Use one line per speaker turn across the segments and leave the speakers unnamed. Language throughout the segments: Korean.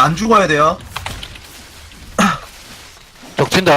안 죽어야 돼요.
적친다.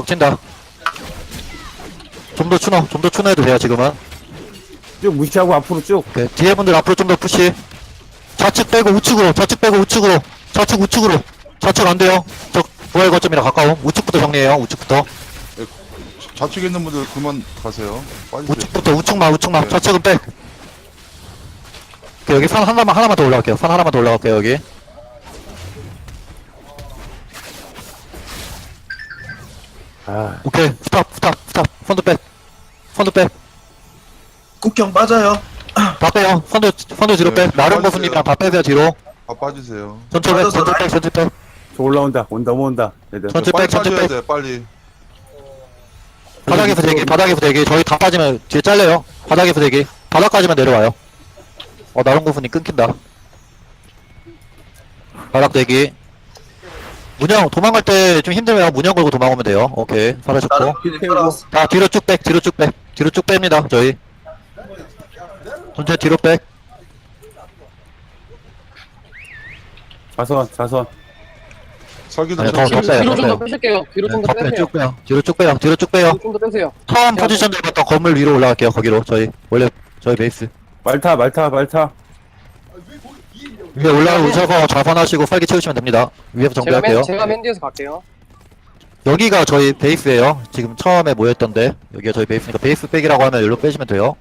좀 더 추노해도 돼요, 지금은.
쭉 무시하고 앞으로 쭉.
오케이. 뒤에 분들 앞으로 좀 더 푸시. 좌측 빼고 우측으로. 좌측 안 돼요. 부활 거점이라 가까움. 우측부터 정리해요, 우측부터.
좌측에 있는 분들 그만 가세요. 빠지세요.
우측만.
네.
좌측은 빼. 오케이, 여기 산 하나만 더 올라갈게요, 여기.
아,
오케이, 스탑. 펀드 빼.
국경 빠져요.
다 빼요. 펀드 뒤로
네,
빼. 나름
빠지세요.
보수님이랑 다 빼세요, 뒤로.
다 빠지세요.
전체 빼.
저 올라온다. 넘어온다. 얘들.
전체
빨리
백.
빠져야 돼, 빨리.
바닥에서 대기. 저희 다 빠지면 뒤에 잘려요. 바닥에서 대기. 바닥까지만 내려와요. 나름 보수님 끊긴다. 바닥 대기. 문형 도망갈 때 좀 힘들면 문형 걸고 도망오면 돼요. 오케이, 사라졌고.
나는 피디 따라왔어.
다 뒤로 쭉 뺍니다, 저희. 전체 뒤로 백.
자선.
설계도
아니, 더
좀
빼요.
뒤로 좀 더
빼요.
빼실게요. 뒤로 좀 더 빼세요.
뒤로 쭉 빼요.
좀 더 빼세요.
처음 포지션 잡았던 건물 위로 올라갈게요, 거기로. 저희 베이스.
말타.
위에 올라오셔서 좌선하시고 설계 채우시면 됩니다. 위에서 정비할게요.
제가 맨 뒤에서 갈게요.
여기가 저희 베이스예요. 지금 처음에 모였던데 여기가 저희 베이스니까 베이스 백이라고 하면 여기로 빼시면 돼요.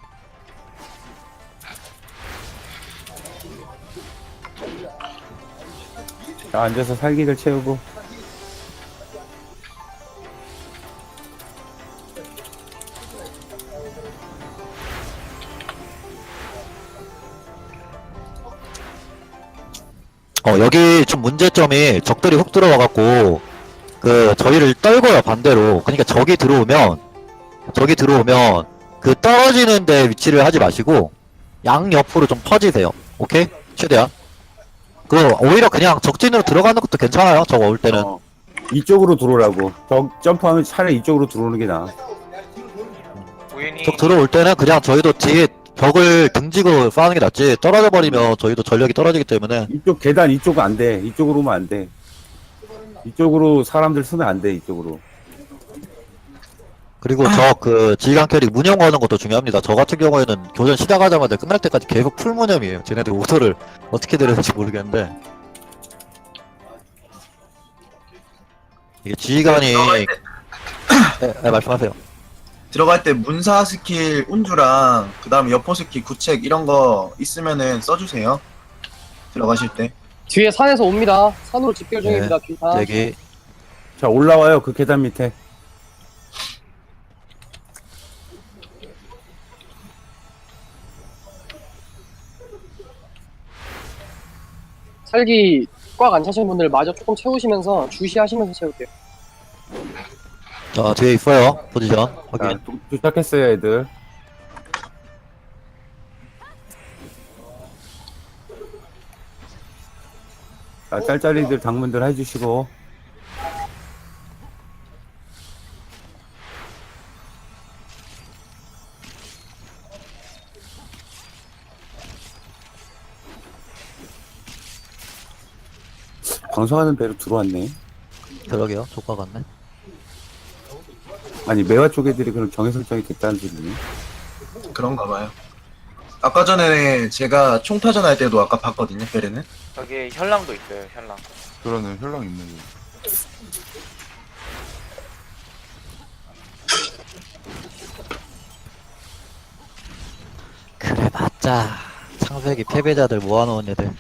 자, 앉아서 살기를 채우고.
여기 좀 문제점이 적들이 훅 들어와갖고 저희를 떨궈요, 반대로. 그러니까 적이 들어오면 그 떨어지는 데 위치를 하지 마시고 양옆으로 좀 퍼지세요. 오케이? 최대한. 오히려 그냥 적진으로 들어가는 것도 괜찮아요, 저거 올 때는.
이쪽으로 들어오라고. 점프하면 차라리 이쪽으로 들어오는 게 나아.
적 들어올 때는 그냥 저희도 뒤에 벽을 등지고 싸우는 게 낫지, 떨어져 버리면 저희도 전력이 떨어지기 때문에.
이쪽 계단 이쪽은 안 돼. 이쪽으로 오면 안 돼. 이쪽으로 사람들 쓰면 안 돼. 이쪽으로.
그리고 지휘관 캐릭 문형 거는 것도 중요합니다. 저 같은 경우에는 교전 시작하자마자 끝날 때까지 계속 풀 문형이에요. 쟤네들 오더를 어떻게 내려는지 모르겠는데, 이게 지휘관이 네, 말씀하세요.
들어갈 때 문사 스킬 운주랑 그 다음에 여포 스킬 구책 이런 거 있으면은 써주세요. 들어가실 때.
뒤에 산에서 옵니다. 산으로 집결 중입니다.
네.
뒤산.
여기
자, 올라와요. 그 계단 밑에.
살기 꽉 안 차신 분들 마저 조금 채우시면서 주시하시면서 채울게요.
뒤에 있어요. 포지션
자,
확인.
도착했어요, 애들. 자, 짤짤이들 당문들 해주시고. 방송하는 배로 들어왔네.
그러게요. 조과 같네.
아니, 매화 쪽 애들이 그럼 정해 설정이 됐다는 소리네.
그런가 봐요. 아까 전에 제가 총타전 할 때도 아까 봤거든요, 베레는.
저기 현랑도 있어요, 현랑.
그러네, 혈랑 있네.
그래 맞자. 창세기 패배자들 모아놓은 애들.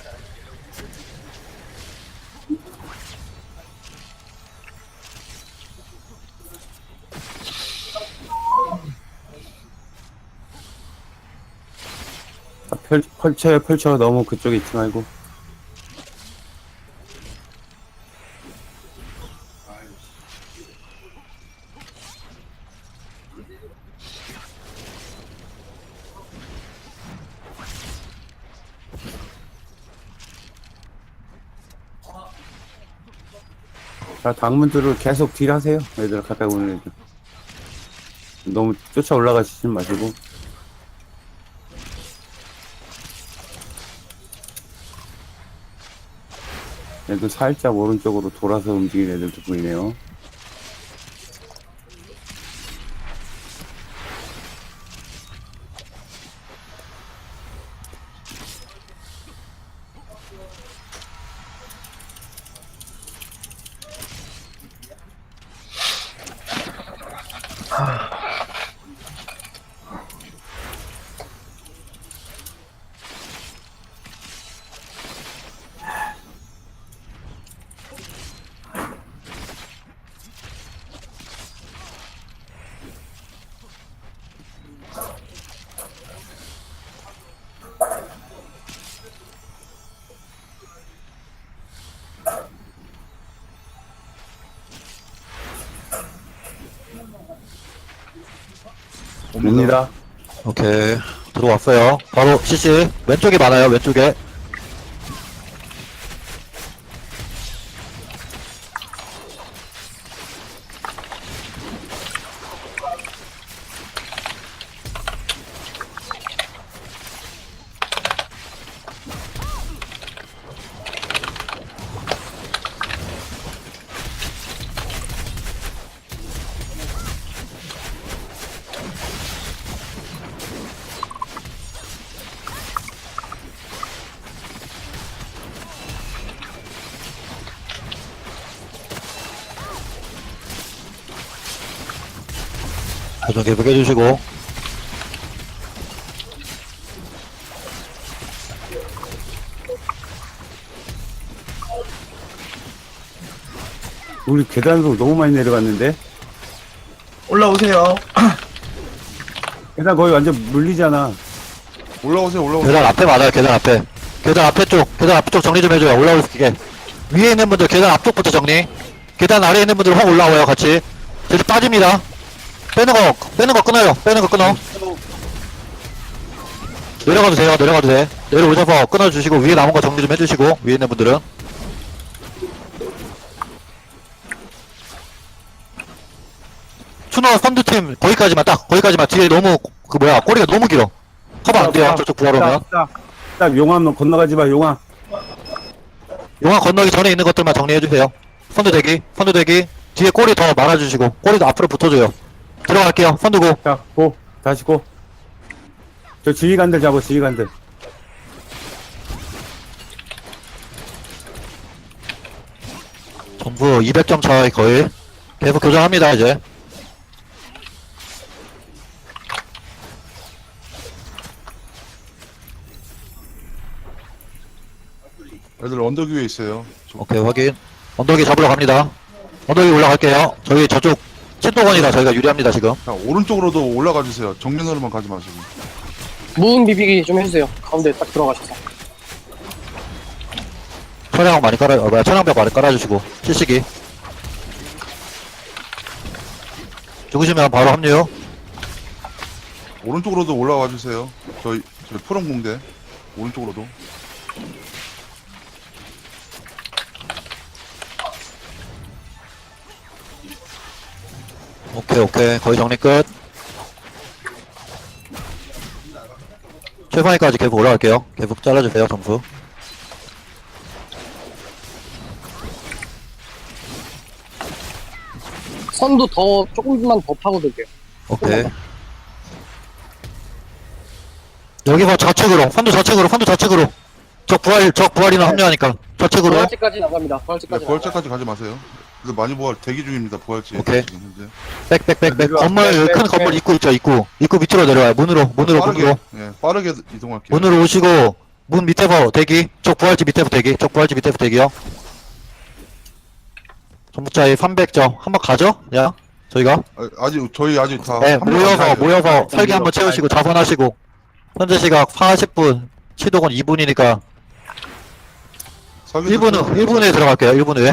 자, 펼쳐. 너무 그쪽에 있지 말고. 자, 당문들을 계속 딜하세요. 애들 가까이 오는 애들. 너무 쫓아 올라가시지 마시고. 얘도 살짝 오른쪽으로 돌아서 움직이는 애들도 보이네요. 옵니다.
오케이. 들어왔어요. 바로 CC. 왼쪽에 많아요, 왼쪽에. 교정 계속 해주시고.
우리 계단으로 너무 많이 내려갔는데?
올라오세요.
계단 거의 완전 물리잖아.
올라오세요, 올라오세요.
계단 앞에 맞아요, 계단 앞에. 계단 앞에 쪽, 계단 앞쪽 정리 좀 해줘요. 올라올 수 있게. 위에 있는 분들 계단 앞쪽부터 정리. 계단 아래에 있는 분들 확 올라와요, 같이. 저기 빠집니다. 빼는 거 끊어요. 빼는 거 끊어. 내려가도 돼요, 내려가도 돼. 내려오셔서 끊어주시고, 위에 남은 거 정리 좀 해주시고, 위에 있는 분들은. 추노 선두팀, 거기까지만, 딱, 거기까지만. 뒤에 너무, 꼬리가 너무 길어. 커버 안 돼요, 저쪽 부하로 오면.
딱 용암 건너가지 마, 용암.
용암 건너기 전에 있는 것들만 정리해주세요. 선두 대기. 뒤에 꼬리 더 말아주시고, 꼬리도 앞으로 붙어줘요. 들어갈게요, 선두고.
자, 고. 다시 고. 저 지휘관들 잡아, 지휘관들.
전부 200점 차이 거의. 계속 교정합니다, 이제.
애들 언덕 위에 있어요.
오케이, 확인. 언덕이 잡으러 갑니다. 언덕이 올라갈게요. 저희 저쪽 신도건이라 저희가 유리합니다, 지금.
자, 오른쪽으로도 올라가 주세요. 정면으로만 가지 마시고.
무음 비비기 좀 해주세요. 가운데 딱 들어가셔서.
천양벽 많이 깔아주시고, 실시기. 죽으시면 바로 합류.
오른쪽으로도 올라와 주세요. 저희 푸른 공대. 오른쪽으로도.
오케이. 거의 정리 끝. 최상위까지 계속 올라갈게요. 계속 잘라주세요, 점수.
선도 조금만 더 파고들게요.
오케이. 여기서 선두 좌측으로. 적 부활이나 합류하니까. 좌측으로.
부활지까지 나갑니다.
네,
부활지까지.
부활제까지 가지 마세요. 그래서 많이 부활 대기 중입니다. 부활제.
오케이.
지금 현재.
백. 큰 건물 입구 있죠, 입구. 입구 밑으로 내려와요. 문으로.
예, 빠르게 이동할게요.
문으로 오시고, 문 밑에서 대기. 적 부활지 밑에서 대기요. 전부차에 300점. 한번 가죠? 그냥. 저희가.
저희 아직 다.
네,
한 명도 안 가요.
모여서 설계 한번 채우시고, 자선하시고. 현재 시각 40분. 시도건 2분이니까.
설계도
1분에 들어갈게요, 1분 후에.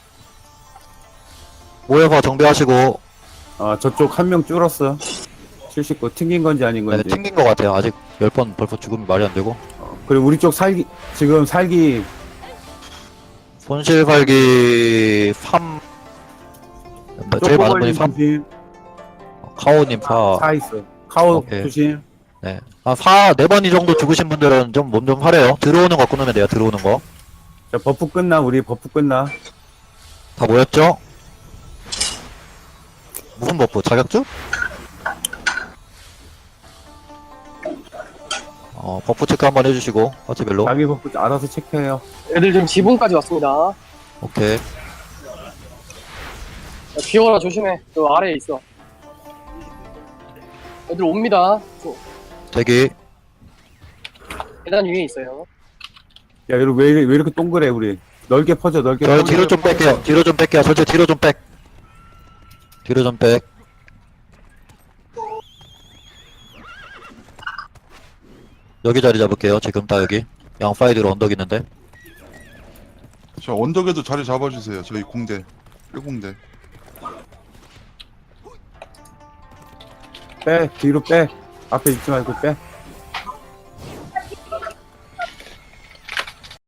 모여서 정비하시고,
아, 저쪽 한 명 줄었어. 79. 튕긴 건지 아닌
네,
건지.
튕긴 것 같아요. 아직 10번 벌써 죽으면 말이 안 되고.
그리고 우리 쪽 지금 살기,
손실발기 3, 제일 많은 분이 3,
조심.
카오님 4.
4 있어. 카오
오케이.
조심.
네. 4, 4번 이 정도 죽으신 분들은 좀 몸 좀 하래요. 들어오는 거 끊으면 돼요, 들어오는 거.
자, 버프 끝나, 우리 버프 끝나.
다 모였죠? 무슨 버프? 자격증? 버프 체크 한번 해주시고 파티별로.
자기 버프 알아서 체크해요.
애들 지금 지붕까지 왔습니다.
오케이.
야, 비워라 조심해. 그 아래에 있어. 애들 옵니다.
대기.
계단 위에 있어요.
야, 여러분, 왜 이렇게 동그래, 우리? 넓게 퍼져, 넓게
저
퍼져.
뒤로 좀 뺄게요. 뒤로 좀 뺄게요. 전체 뒤로 좀 백. 뒤로 좀 백. 여기 자리 잡을게요. 지금 다 여기. 양파이드로 언덕 있는데.
저 언덕에도 자리 잡아주세요. 저희 공대. 1공대.
빼, 뒤로 빼. 앞에 있지 말고 빼.